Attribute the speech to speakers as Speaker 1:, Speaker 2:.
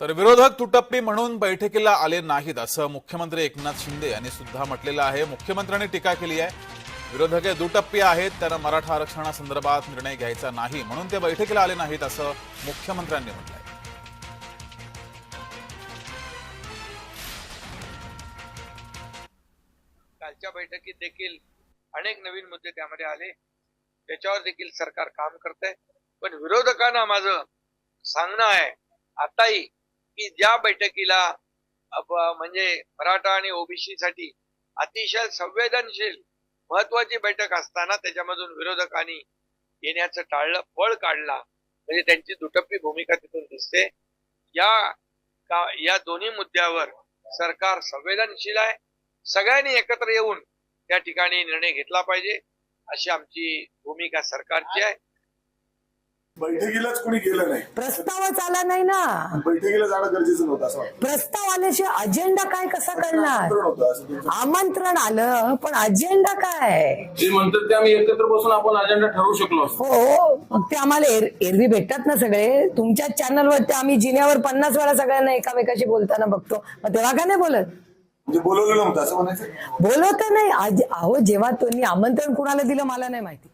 Speaker 1: तर विरोधक तुटप्पी म्हणून बैठकीला आले नाहीत असं मुख्यमंत्री एकनाथ शिंदे यांनी सुद्धा म्हटलेलं आहे। मुख्यमंत्र्यांनी टीका केली आहे, विरोधक दुटप्पी आहेत, त्यांना मराठा आरक्षणासंदर्भात निर्णय घ्यायचा नाही म्हणून ते बैठकीला आले नाहीत असं मुख्यमंत्र्यांनी म्हटलंय।
Speaker 2: कालच्या बैठकीत देखील अनेक नवीन मुद्दे त्यामध्ये आले, त्याच्यावर देखील सरकार काम करतंय। पण विरोधकांना माझं सांगणं आहे आताही की ज्या बैठकीला म्हणजे मराठा आणि ओबीसी साठी अतिशय संवेदनशील महत्वाची बैठक असताना त्याच्यामधून विरोधकांनी येण्याचं टाळलं, पळ काढला, म्हणजे त्यांची दुटप्पी भूमिका तिथून दिसते। या दोन्ही मुद्द्यावर सरकार संवेदनशील आहे, सगळ्यांनी एकत्र येऊन त्या ठिकाणी निर्णय घेतला पाहिजे अशी आमची भूमिका सरकारची आहे।
Speaker 3: बैठकीलाच कोणी गेलं नाही,
Speaker 4: प्रस्तावच आला नाही ना,
Speaker 3: बैठकीला जाणं गरजेचं नव्हतं असं वाटतं।
Speaker 4: प्रस्ताव आल्याशिवाय अजेंडा काय कसा करणार?
Speaker 3: आमंत्रण होतं असं त्यांचं.
Speaker 4: आमंत्रण आलं पण अजेंडा काय?
Speaker 5: जे म्हणतात ते आम्ही एकत्र बसून आपण अजेंडा ठरवू शकलो असतो।
Speaker 4: हो, मग ते आम्हाला एरवी भेटतात ना सगळे, तुमच्या चॅनलवर ते आम्ही जिन्यावर 50 वेळा सगळ्यांना एकामेकाशी बोलताना बघतो, मग तेव्हा का नाही बोलत?
Speaker 3: म्हणजे बोलवलं नव्हतं असं म्हणायचं।
Speaker 4: बोलवत नाही अहो, जेव्हा तुम्ही आमंत्रण कुणाला दिलं मला नाही माहिती।